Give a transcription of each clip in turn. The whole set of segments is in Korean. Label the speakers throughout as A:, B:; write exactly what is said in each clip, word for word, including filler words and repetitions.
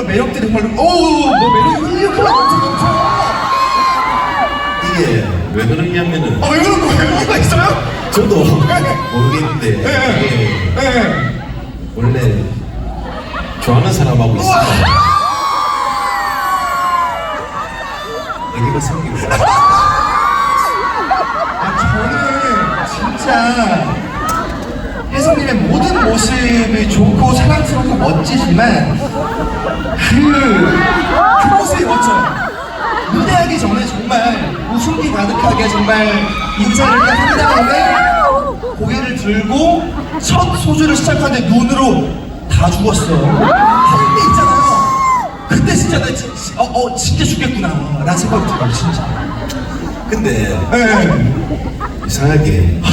A: 그런 매력들이 정말 오우 뭐 매력이 이렇게 넘쳐.
B: 이게 왜 그러냐면은
A: 아, 왜 그런 거예요? 이유가 있어요?
B: 저도 모르겠는데
A: 네, 네.
B: 이게
A: 네.
B: 원래 좋아하는 사람하고 있으면 애기가 생기고
A: 아, 저는 진짜 혜성님의 모든 모습이 좋고 사랑스럽고 멋지지만 그, 그 모습이 멋져요. 무대하기 전에 정말 웃음기 가득하게 정말 인사를 딱 한 다음에 고개를 들고 첫 소주를 시작하는데 눈으로 다 죽었어. 할 때 있잖아요. 그때 진짜 나 진, 어, 어, 진짜 죽겠구나 라는 생각이 들어요, 진짜.
B: 근데
A: 네.
B: 이상하게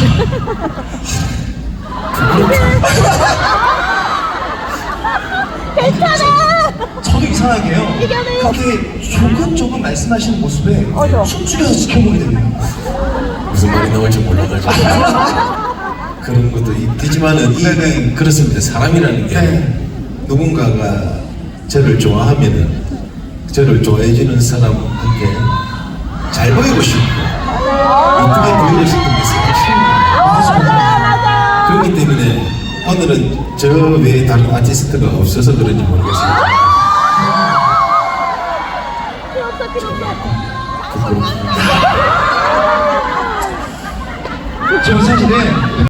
C: 괜찮아.
A: 저도 이상하게요. 그렇게 조금조금 말씀하시는 모습에
C: 맞아.
A: 숨죽여서 지켜보게 됩니다.
B: 무슨 말이 나올지 몰라가지고 그런 것도 있지만은 이
A: 네네.
B: 그렇습니다. 사람이라는 게
A: 네.
B: 누군가가 저를 좋아하면은 저를 좋아해주는 사람한테 잘 보이고 싶고 이쁘게 보이고 싶은 게 사실 그렇기 때문에 오늘은 저 외에 다른 아티스트가 없어서 그런지 모르겠어요. 부끄럽습니다.
A: 저는 사실은